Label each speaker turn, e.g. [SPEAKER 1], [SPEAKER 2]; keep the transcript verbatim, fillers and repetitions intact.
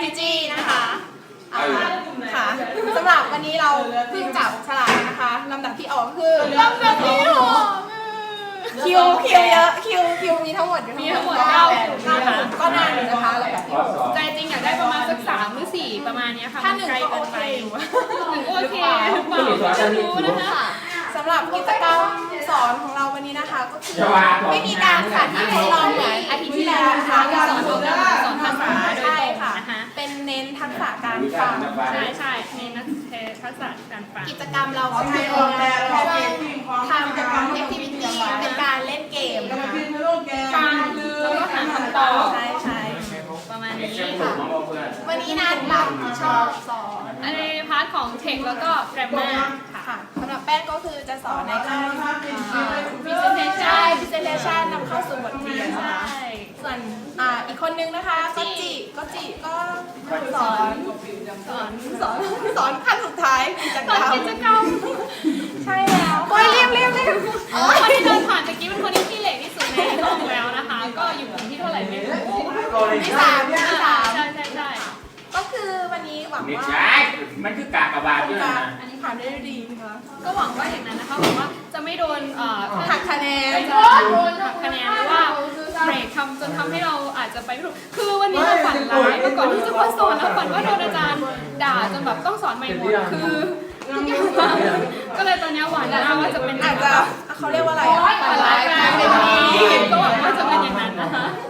[SPEAKER 1] strategy นะคะค่ะสำหรับวันนี้เราเพิ่งจับฉลากนะคะลำดับที่ออกคือลำดับที่หกคิวคิวเยอะคิวคิวมีทั้งหมดมีทั้งหมดเก้านะคะก็นานอยู่นะคะลำดับที่หก
[SPEAKER 2] ใจจริงอยากได้ประมาณสักสามหรือสี่ประมาณนี้ค่ะ
[SPEAKER 1] ถ้าหนึ่งก็โอเค
[SPEAKER 2] หนึ่งโอเคหรือเปล่าไม่รู้นะคะ
[SPEAKER 1] สำหรับกิจกรรมสอนของเราวันนี้นะคะก็คือไม่มีการสาธิตทดลองเหมือนอาทิตย์ที่แล้วนะคะ
[SPEAKER 2] การสอนของเราสอนภาษาโดยตรงนะคะ
[SPEAKER 1] เป็นเน้นทักษะการฟัง
[SPEAKER 2] ใช่ใช่เน้นทักษะการฟัง
[SPEAKER 1] กิจกรรมเราก็คือทำ activity เป็นการเล่นเกมนะคะ
[SPEAKER 2] ฟังแล้วก็หาคำตอบ
[SPEAKER 1] ใช่ใช่
[SPEAKER 2] ประมาณนี้
[SPEAKER 1] ค่ะวันนี้นัดรับผิดชอบสอน
[SPEAKER 2] ในพาร์ทของเทคแล้วก็แกรมมา
[SPEAKER 1] ค่ะสำหรับแป้งก็คือจะสอนในการ
[SPEAKER 2] presentation
[SPEAKER 1] presentation นำเข้าสู่บทเรียนนะคะส่วนอีกคนนึงนะคะก็จิก็จิก็สอนสอนสอนสอนขั้นสุดท้ายกิจกรรม
[SPEAKER 2] กิจกรรม
[SPEAKER 1] ใช่แล้วโอ้ยรีบรีบรีบ
[SPEAKER 2] คนที่เดินผ่านตะกี้เป็นคนที่ขี้เหร่ที่สุดในห้องแล้วนะคะก็อยู่กลุ่มที่เท่าไหร่ไม่รู้
[SPEAKER 1] ที่สามที่สาม
[SPEAKER 2] ใช่ใช่ใช่
[SPEAKER 1] ก็คือวันนี้หวังว่า
[SPEAKER 3] มันคือกากบาทด้วยนะ
[SPEAKER 1] อันนี้ผ่านได้ดีนะคะ
[SPEAKER 2] ก็หวังว่าอย่างนั้นนะคะหวังว่าจะไม่โดน
[SPEAKER 1] หักคะแนน
[SPEAKER 2] โดนหักคะแนนหรือว่าเบรกทำจนทำให้เราอาจจะไปไม่ถูกคือวันนี้เราฝันร้ายเมื่อก่อนที่จะมาสอนแล้วฝันว่าโดนอาจารย์ด่าจนแบบต้องสอนใหม่หมดคือก็เลยตอนนี้หวังนะว่าจะเป็น
[SPEAKER 1] อาจจะเขาเรียกว่าอะไร
[SPEAKER 2] ฝันร้ายกลายเป็นดีก็หวังว่าจะเป็นอย่างนั้นนะคะ